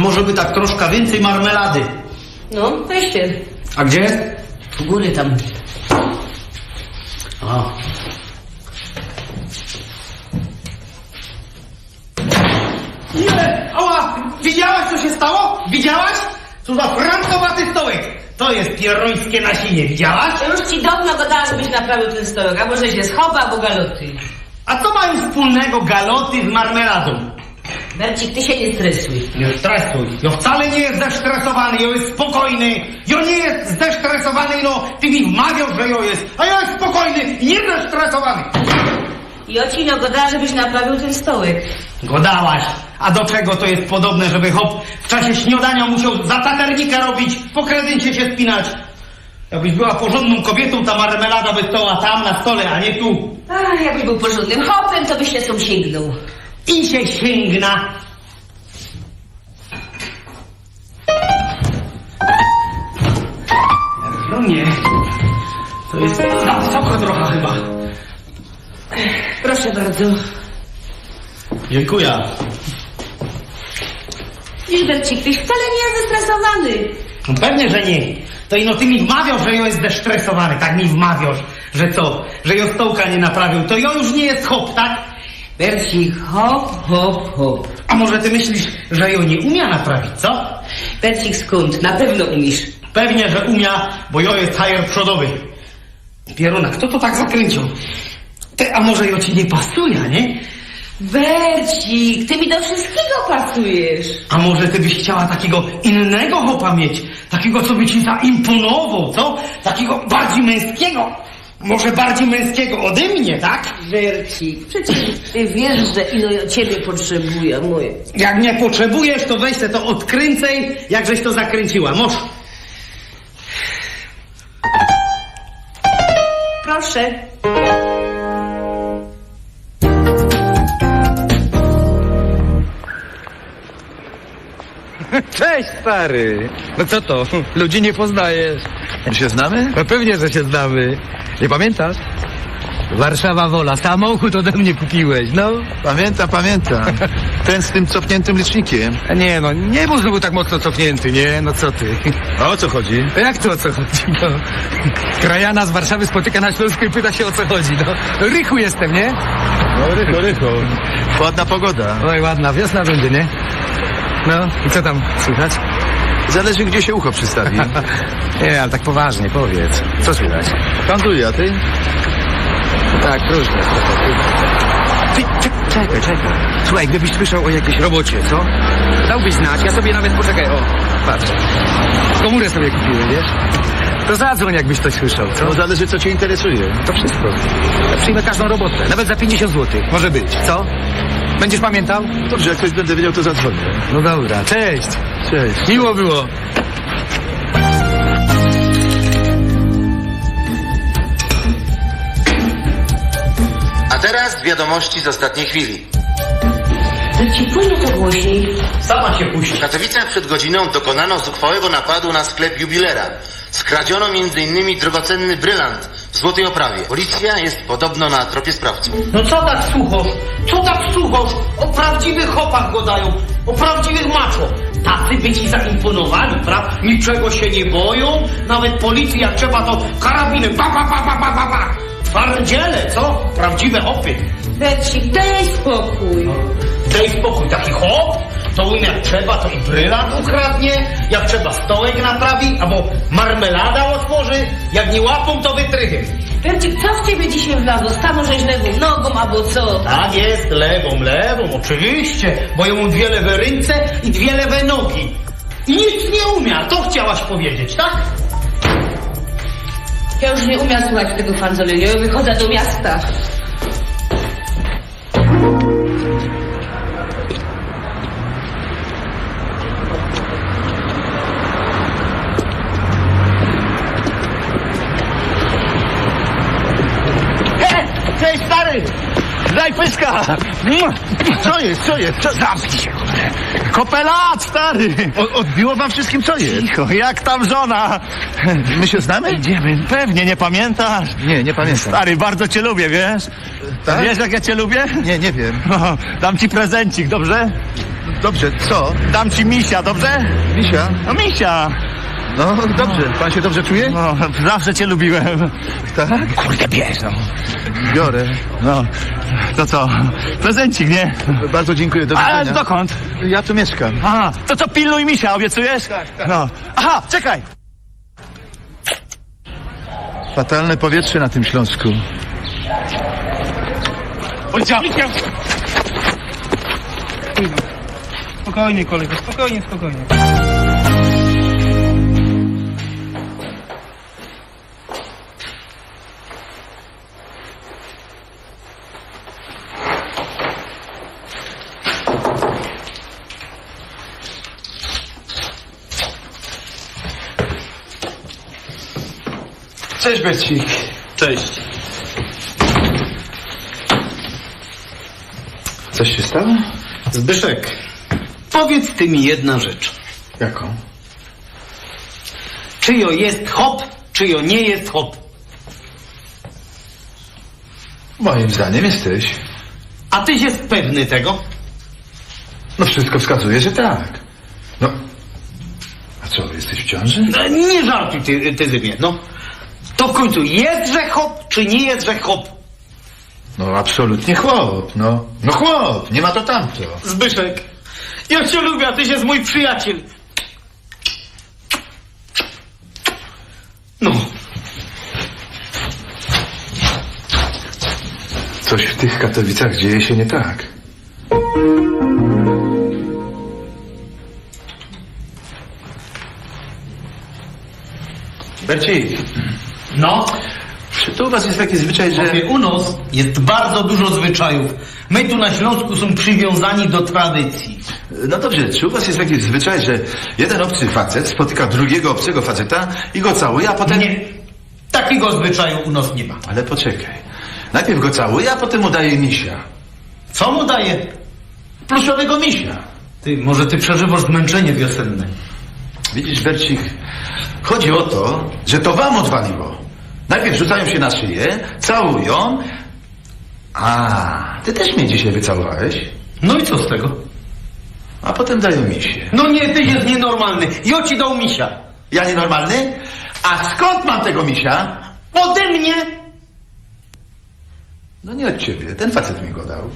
może by tak troszkę więcej marmelady? No, weźcie. A gdzie? U góry tam. A. Nie! Ała! Widziałaś, co się stało? Widziałaś? Co za frankowaty stołek! To jest pierońskie nasienie, widziałaś? Ja już ci dawno gadała, żebyś naprawił ten stołek, albo że się schowa, albo galoty. A co mają wspólnego galoty z marmeladą? Bercik, ty się nie stresuj. Nie stresuj. Ja wcale nie jest zestresowany, ja jest spokojny. Ja nie jest zestresowany, no ty mi wmawiał, że ja jest. A ja jest spokojny i nie zestresowany. Jocino gadała, żebyś naprawił ten stołek. Godałaś. A do czego to jest podobne, żeby hop w czasie śniadania musiał za taternika robić, po kredencie się spinać? Jakbyś była porządną kobietą, ta marmelada by stała tam na stole, a nie tu. Ach, jakbyś był porządnym hopem, to byś się są sięgnął. I się sięgna. No nie. To jest za wysoko trochę chyba. Proszę bardzo. Dziękuję. Widzisz, Bercik, tyś wcale nie jest zestresowany. No pewnie, że nie. To ino ty mi wmawiasz, że ja jest zestresowany. Tak mi wmawiasz, że co? Że ja stołka nie naprawił. To ja już nie jest hop, tak? Bercik, hop, hop, hop. A może ty myślisz, że ja nie umia naprawić, co? Bercik, skąd? Na pewno umiesz. Pewnie, że umia, bo ja jest hajer przodowy. Pieruna, kto to tak zakręcił? Ty, a może ja ci nie pasuje, nie? Bercik, ty mi do wszystkiego pasujesz. A może ty byś chciała takiego innego hopa mieć? Takiego, co by ci zaimponował, co? Takiego bardziej męskiego. Może bardziej męskiego ode mnie, tak? Bercik, przecież ty wiesz, że ino ja ciebie potrzebuję, moje. Jak nie potrzebujesz, to weź se to odkręcaj, jak żeś to zakręciła. Moż. Proszę. Cześć, stary! No co to? Ludzi nie poznajesz. My się znamy? No pewnie, że się znamy. Nie pamiętasz? Warszawa Wola, samochód ode mnie kupiłeś, no. Pamiętam. Ten z tym cofniętym licznikiem. A nie, no nie był znowu tak mocno cofnięty, nie? No co ty? A o co chodzi? To jak to o co chodzi, no? Krajana z Warszawy spotyka na Śląsku i pyta się o co chodzi, no. No rychu jestem, nie? No rycho. Ładna pogoda. Oj, ładna, wiosna będzie, nie? No, i co tam słychać? Zależy, gdzie się ucho przystawi. Nie, ale tak poważnie, powiedz. Co słychać? Handluję, a ty? Tak, różne. Ty, czekaj. Słuchaj, gdybyś słyszał o jakiejś robocie, co? Dałbyś znać, ja sobie nawet poczekaj, o, patrz. Komórę sobie kupiłem, wiesz? To zadzwoń, jakbyś coś słyszał, co? No zależy, co cię interesuje. To wszystko. Ja przyjmę każdą robotę, nawet za 50 zł. Może być, co? Będziesz pamiętał? Dobrze, jak coś będę wiedział, to zadzwonię. No dobra, cześć. Cześć. Miło było. A teraz wiadomości z ostatniej chwili. Bercik, pójdź to głośniej. Sama się puści. W Katowicach przed godziną dokonano zuchwałego napadu na sklep jubilera. Skradziono m.in. drogocenny brylant w złotej oprawie. Policja jest podobno na tropie sprawców. No co tak słuchasz? Co tak słuchasz? O prawdziwych hopach gadają, o prawdziwych macho. Tacy by ci zaimponowali, prawda? Niczego się nie boją, nawet policji jak trzeba to karabinem, pa. Twardziele, co? Prawdziwe hopy. Bercik, daj spokój. Daj spokój, taki hop, to jak trzeba, to i brylant ukradnie, jak trzeba stołek naprawi, albo marmelada otworzy, jak nie łapą, to wytrychy. Bercik, co w ciebie dzisiaj wlazło? Stanął żeś lewą nogą, albo co? Tak jest, lewą, oczywiście, bo ja mam dwie lewe ręce i dwie lewe nogi. I nic nie umia, to chciałaś powiedzieć, tak? Ja już nie umiem słuchać tego fanzolenia, ja wychodzę do miasta. Cześć, stary! Daj pyska! Co jest? Zamknij się, Kopelat, stary! Odbiło wam wszystkim, co jest? Cicho, jak tam żona? My się znamy? Idziemy. Pewnie, nie pamiętasz? Nie pamiętam. Stary, bardzo cię lubię, wiesz? Tak? Wiesz, jak ja cię lubię? Nie wiem. No, dam ci prezencik, dobrze? Dobrze, co? Dam ci misia, dobrze? Misia? No misia. No dobrze, pan się dobrze czuje? No, zawsze cię lubiłem. Tak? Kurde, bierz, no. Biorę. No, to co? Prezencik, nie? Bardzo dziękuję, do A widzenia. dokąd? Ja tu mieszkam. Aha, to co, pilnuj misia, obiecujesz? Tak. No. Aha, czekaj! Fatalne powietrze na tym Śląsku. Policja! Spokojnie, kolego, spokojnie, spokojnie. Cześć, Bercik. Cześć. Coś się stało? Zbyszek, powiedz ty mi jedna rzecz. Jaką? Czyjo jest hop, czyjo nie jest hop? Moim zdaniem jesteś. A tyś jest pewny tego? No wszystko wskazuje, że tak. No. A co, jesteś w ciąży? No, nie żartuj ty Zymie, no. To w końcu jest, że hop, czy nie jest, że hop? No absolutnie chłop, no. No chłop, nie ma to tamto. Zbyszek, ja cię lubię, a tyś jest mój przyjaciel. No. Coś w tych Katowicach dzieje się nie tak. Bercik, No, czy to u was jest taki zwyczaj, że... u nas jest bardzo dużo zwyczajów. My tu na Śląsku są przywiązani do tradycji. No dobrze, czy u was jest taki zwyczaj, że jeden obcy facet spotyka drugiego obcego faceta i go całuje, a potem... Nie, takiego zwyczaju u nas nie ma. Ale poczekaj. Najpierw go całuje, a potem mu daje misia. Co mu daje? Pluszowego misia. Ty, może ty przeżywasz zmęczenie wiosenne. Widzisz, Bercik, chodzi o to, że to wam odwaliło. Najpierw rzucają się na szyję, całują. A, ty też mnie dzisiaj wycałowałeś. No i co z tego? A potem dają misie. No nie, ty jest nienormalny. Ja ci dał misia. Ja nienormalny? A skąd mam tego misia? Ode mnie. No nie od ciebie, ten facet mi go dał.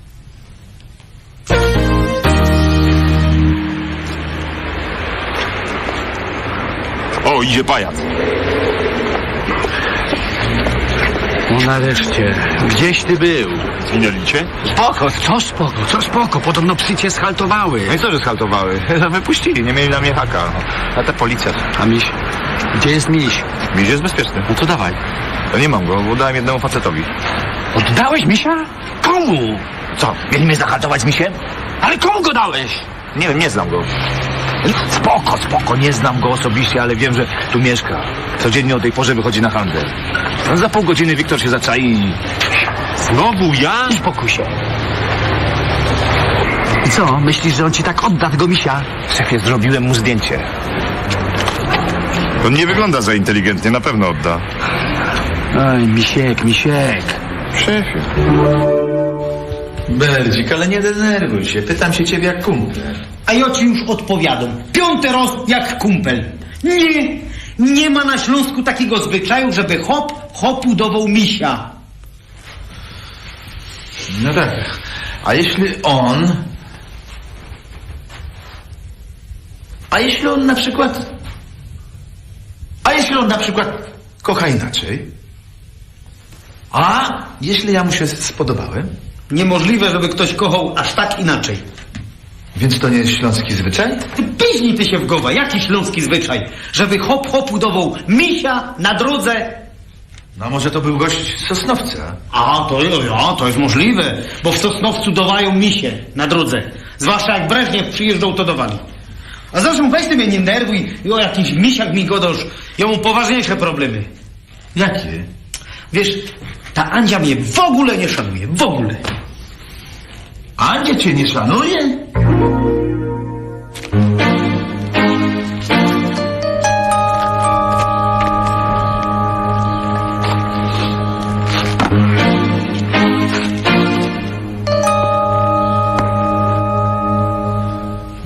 O, idzie pajac. No nareszcie, gdzieś ty był? Zginęli cię? Spoko, co spoko, podobno psy cię schaltowały. No i co, że schaltowały? Wypuścili, nie mieli na mnie haka. A ta policja. A miś? Gdzie jest miś? Miś jest bezpieczny. No to dawaj. No nie mam go, bo dałem jednemu facetowi. Oddałeś misia? Komu? Co, mieli mnie zahartować z misiem? Ale komu go dałeś? Nie wiem, nie znam go. Spoko, nie znam go osobiście, ale wiem, że tu mieszka. Codziennie o tej porze wychodzi na handel. No, za pół godziny Wiktor się zaczai i... Znowu ja? Spokój się. I co, myślisz, że on ci tak odda tego misia? Szefie, zrobiłem mu zdjęcie. On nie wygląda za inteligentnie, na pewno odda. Oj, misiek. Szefie. Berdzik, ale nie denerwuj się, pytam się ciebie jak kumpel. A ja ci już odpowiadam. 5. raz jak kumpel. Nie ma na Śląsku takiego zwyczaju, żeby hopu dawał misia. No tak, a jeśli on... A jeśli on na przykład kocha inaczej? A jeśli ja mu się spodobałem? Niemożliwe, żeby ktoś kochał aż tak inaczej. Więc to nie jest śląski zwyczaj? Ty piźnij ty się w głowę. Jaki śląski zwyczaj? Żeby hopu dawał misia na drodze. No może to był gość z Sosnowca. A, to jest możliwe, bo w Sosnowcu dawają misie na drodze. Zwłaszcza jak Breżniew przyjeżdżał, to dawali. A zresztą weź ty mnie nie nerwuj i o jakichś misiach mi godasz. Ja mam poważniejsze problemy. Jakie? Wiesz, ta Andzia mnie w ogóle nie szanuje, w ogóle. Andzia cię nie szanuje?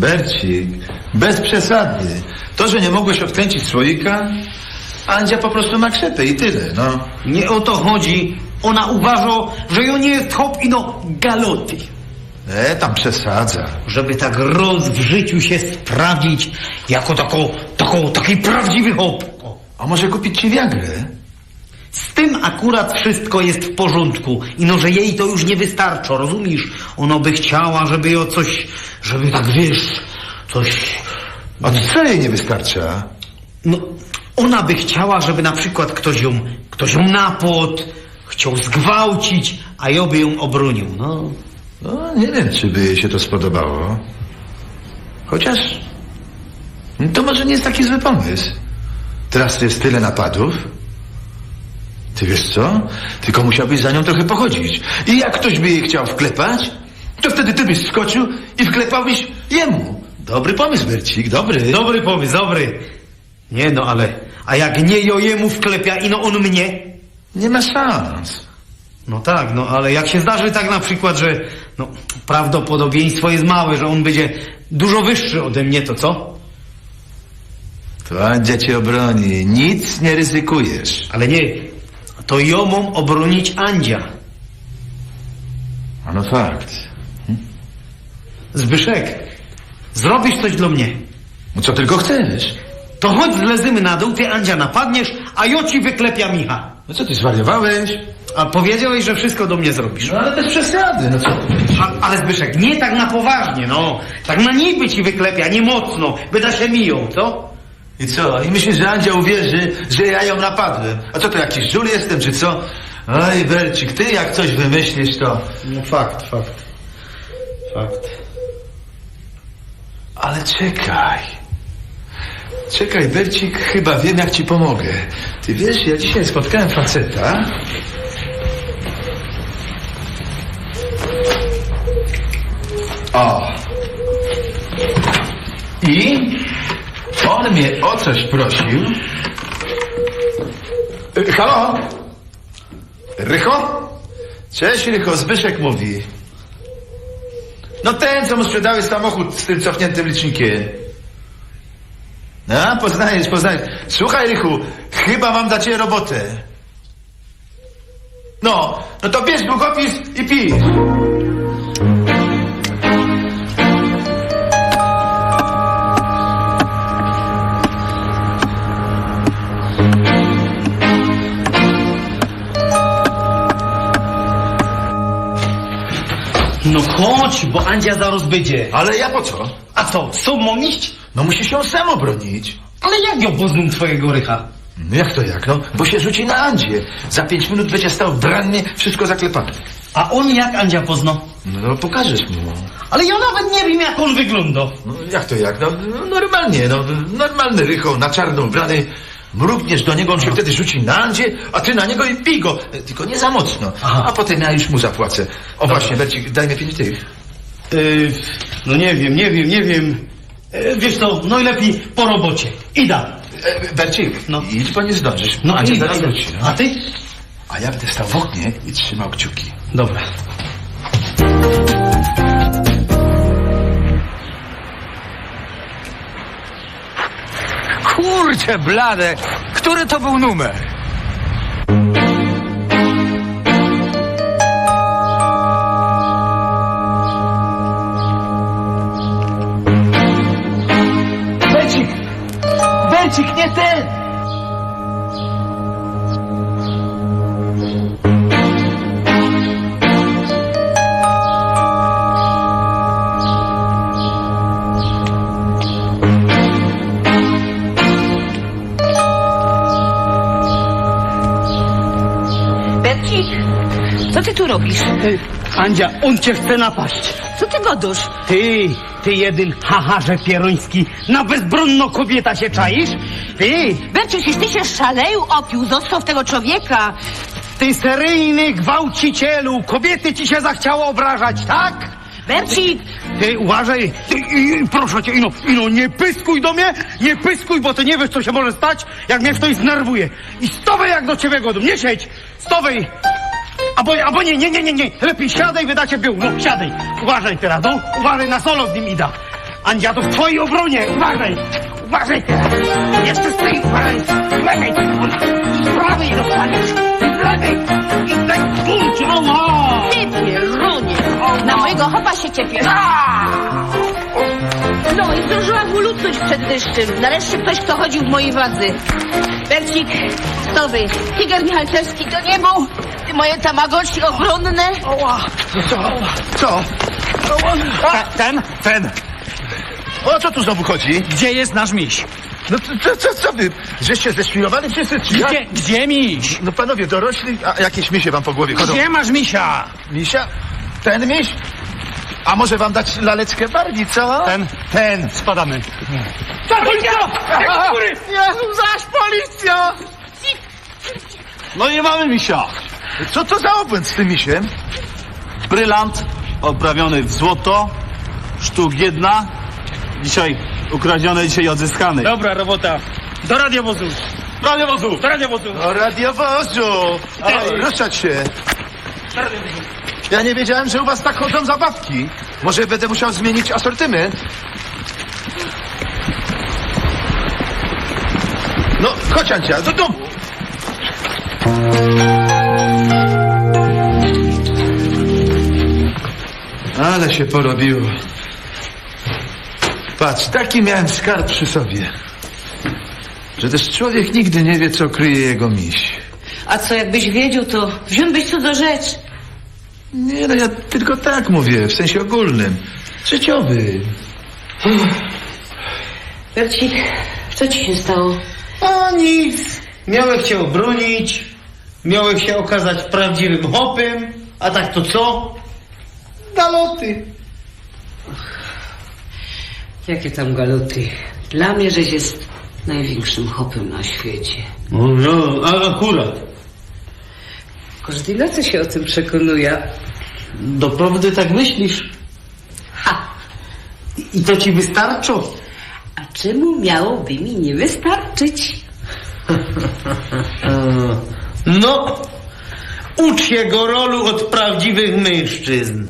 Bercik, bez przesady. To, że nie mogłeś odkręcić słoika, Andzia po prostu ma krzepę i tyle, no. Nie o to chodzi. Ona uważa, że ją nie jest hop i no galoty. Tam przesadza. Żeby tak roz w życiu się sprawdzić jako taki prawdziwy hop. O. A może kupić ci Viagrę? Z tym akurat wszystko jest w porządku. I no, że jej to już nie wystarcza, rozumiesz? Ona by chciała, żeby ją coś, żeby tak wiesz, coś... A co jej nie wystarcza? No, ona by chciała, żeby na przykład ktoś ją napadł, chciał zgwałcić, a ja by ją obronił, no. No, nie wiem, czy by jej się to spodobało. Chociaż... To może nie jest taki zły pomysł. Teraz to jest tyle napadów. Ty wiesz co? Tylko musiałbyś za nią trochę pochodzić. I jak ktoś by jej chciał wklepać, to wtedy ty byś skoczył i wklepałbyś jemu. Dobry pomysł, Bercik, dobry. Dobry pomysł, dobry. Nie no, ale... A jak nie jo jemu wklepia i no on mnie? Nie ma szans. No tak, no ale jak się zdarzy tak na przykład, że... No, prawdopodobieństwo jest małe, że on będzie dużo wyższy ode mnie, to co? To Andzia cię obroni. Nic nie ryzykujesz. Ale nie, to ją mam obronić Andzia. A no fakt. Zbyszek, zrobisz coś dla mnie. No co tylko chcesz? To chodź zlezymy na dół, ty Andzia napadniesz, a ja ci wyklepia Micha. No co ty zwariowałeś? A powiedziałeś, że wszystko do mnie zrobisz. No ale bez przesady, no co? Ale Zbyszek, nie tak na poważnie, no. Tak na niby ci wyklepia, nie mocno, by da się miją, co? I co? I myślisz, że Andzia uwierzy, że ja ją napadłem? A co to, jakiś żul jestem, czy co? Oj, Bercik, ty jak coś wymyślisz, to... No fakt. Ale czekaj. Czekaj, Bercik, chyba wiem, jak ci pomogę. Ty wiesz, ja dzisiaj spotkałem faceta. O. I on mnie o coś prosił. Halo? Rycho? Cześć, Rycho, Zbyszek mówi. No ten, co mu sprzedałeś samochód z tym cofniętym licznikiem. No, poznajesz. Słuchaj, Rychu, chyba mam dla ciebie robotę. No to bierz długopis i pisz. No chodź, bo Andzia zaraz będzie. Ale ja po co? A co, co mam iść? No musisz ją sam obronić. Ale jak ją poznam twojego Rycha? No jak to jak? No, bo się rzuci na Andzię. Za 5 minut będzie stał w rannie, wszystko zaklepane. A on jak Andzia pozna? No pokażesz mu. Ale ja nawet nie wiem, jak on wygląda. No jak to jak? No normalnie, normalny Rycho, na czarno ubrany. Mrugniesz do niego, on się wtedy rzuci na Andzię, a ty na niego i pij go. Tylko nie za mocno. Aha. A potem ja już mu zapłacę. O właśnie, Bercik, daj mi 5 tych. No nie wiem. Wiesz co, no i lepiej po robocie. Ida. Bercik, No. idź, bo nie zdążysz. No Andzia idę, zaraz idę. wróci. No. A ty? A ja będę stał w oknie i trzymał kciuki. Dobra. Kurczę blade, który to był numer? Bercik, nie ten! Bercik, co ty tu robisz? Andzia, on cię chce napaść. Co ty godusz? Ty jeden hacharze pieroński, na bezbronną kobieta się czaisz? Ty, Bercik, jeśli ty się szaleju opił, zostaw tego człowieka. ty seryjny gwałcicielu, kobiety ci się zachciało obrażać, tak? Bercik, Ty uważaj, proszę cię, Ino, nie pyskuj do mnie, nie pyskuj, bo ty nie wiesz, co się może stać, jak mnie ktoś znerwuje. I stowej jak do ciebie godą, nie siedź, stowej. Albo nie, lepiej siadaj, wydacie był, no siadaj. Uważaj teraz, no, uważaj, na solo z nim ida. Andzia, to w twojej obronie! Uważaj! Uważaj teraz! Jeszcze stoi, uważaj! Z lewej! Z prawej dostaniesz! Z lewej! I tak kurczę! Ała! Ty pierunie! Na mojego chopa się ciepiesz. No i zdążyłam mu lutnąć przed deszczem. Nareszcie ktoś, kto chodził w mojej wadze. Bercik, kto wy? Tiger Michalczewski to nie był? Ty moje tamagotchi obronne? Co? Ten! O co tu znowu chodzi? Gdzie jest nasz miś? No co wy? Żeście zdeświrowali wszyscy, czy jak? Gdzie miś? No panowie dorośli, a jakieś misie wam po głowie chodzą. Gdzie masz misia? Misia? Ten miś? A może wam dać laleczkę Barbie, co? Ten. Spadamy. Policja! Jezu, zaś policja! No nie mamy misia. Co to za obłęd z tym misiem? Brylant oprawiony w złoto, sztuk 1. Dzisiaj ukradziony, dzisiaj odzyskany. Dobra robota. Do radiowozu. Radiowozu! Do radiowozu. Do radiowozu! Oj, ruszać się! Ja nie wiedziałem, że u was tak chodzą zabawki. Może będę musiał zmienić asortyment? No, chodź Ancia, do domu! Ale się porobiło. Patrz, taki miałem skarb przy sobie. Że też człowiek nigdy nie wie, co kryje jego miś. A co, jakbyś wiedział, to wziąłbyś co do rzecz. Nie, no ja tylko tak mówię, w sensie ogólnym. Życiowy. Bercik, co ci się stało? O nic. Miałem się obronić. Miałem się okazać prawdziwym hopem. A tak to co? Galoty. Jakie tam galoty? Dla mnie, żeś jest największym hopem na świecie. No, akurat. Każdej nocy się o tym przekonuje. Doprawdy tak myślisz? Ha! I to ci wystarczy? A czemu miałoby mi nie wystarczyć? No, ucz się go rolu od prawdziwych mężczyzn.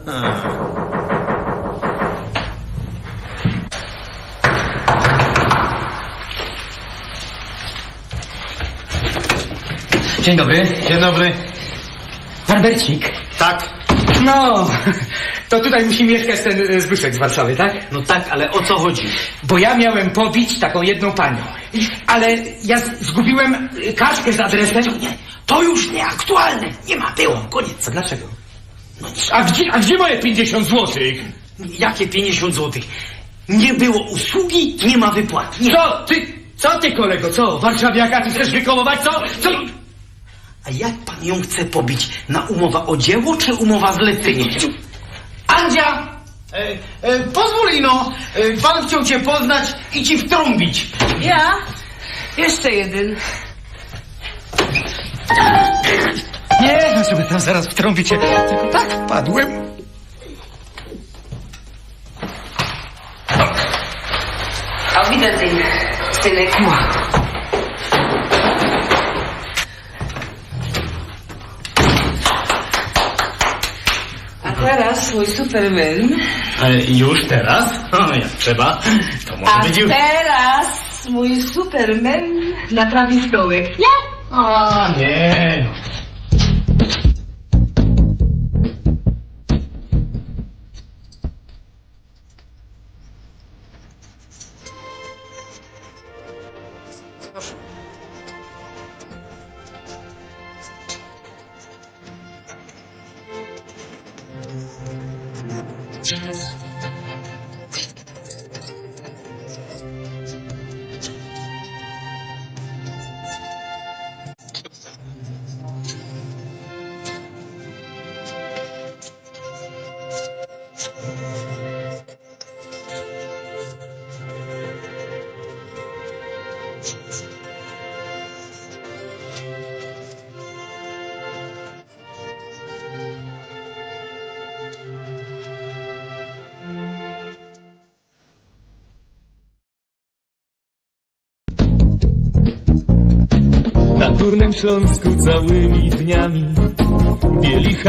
Dzień dobry. Dzień dobry. Barbercik. Tak. No, to tutaj musi mieszkać ten Zbyszek z Warszawy, tak? No tak, ale o co chodzi? Bo ja miałem pobić taką jedną panią. Ale ja zgubiłem kartkę z adresem. Nie, to już nieaktualne. Nie ma, było, koniec. A dlaczego? No, a gdzie moje 50 złotych? Jakie 50 złotych? Nie było usługi, nie ma wypłaty. Nie. Co ty kolego, co? Warszawiaka, ty chcesz wykołować, co? A jak pan ją chce pobić? Na umowa o dzieło czy umowa zlecenie? Andzia! Pozwól ino, pan chciał cię poznać i ci wtrąbić. Ja? Jeszcze jeden. Nie, no żeby tam zaraz wtrąbicie. Tylko tak wpadłem. A widzę ten synek. A teraz mój Superman. Już teraz? O, jak trzeba, to może A być już. teraz mój Superman naprawi stołek. Ja? A nie. Na Górnym Śląsku całymi dniami bieli